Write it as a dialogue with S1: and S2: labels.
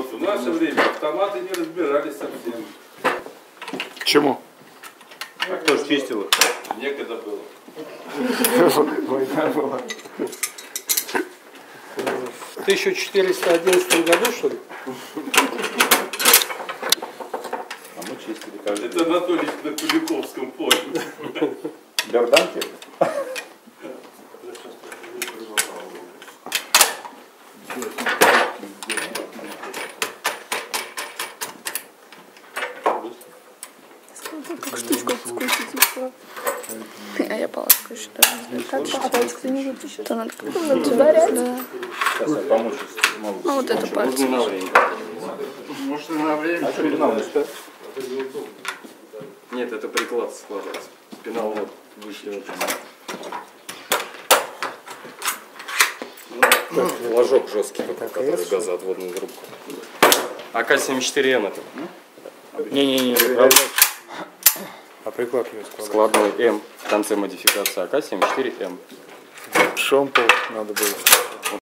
S1: Вот в наше время автоматы не разбирались совсем.
S2: Чему?
S1: А кто же чистил их? Некогда было.
S2: Война была.
S3: В 1411 году, что ли?
S4: А мы чистили каждый
S1: Это Анатолий на Куликовском поле.
S4: Берданки?
S5: Как штучку вкусить. А я палочку еще даже. Так, палочку не выпущу. То надо как-то ударять. Да.
S4: Сейчас я помучусь.
S5: А вот это пальцы.
S4: Можно на время.
S2: Можно на время.
S4: А что, пенал не стоит?
S6: Нет, это приклад складывается. Пенал вот выше. Ложок жесткий, который газоотводную трубку. АК-74М это.
S2: Не-не-не. А приклад ее
S6: Складной М. В конце модификации АК-74М.
S2: Шомпол надо было.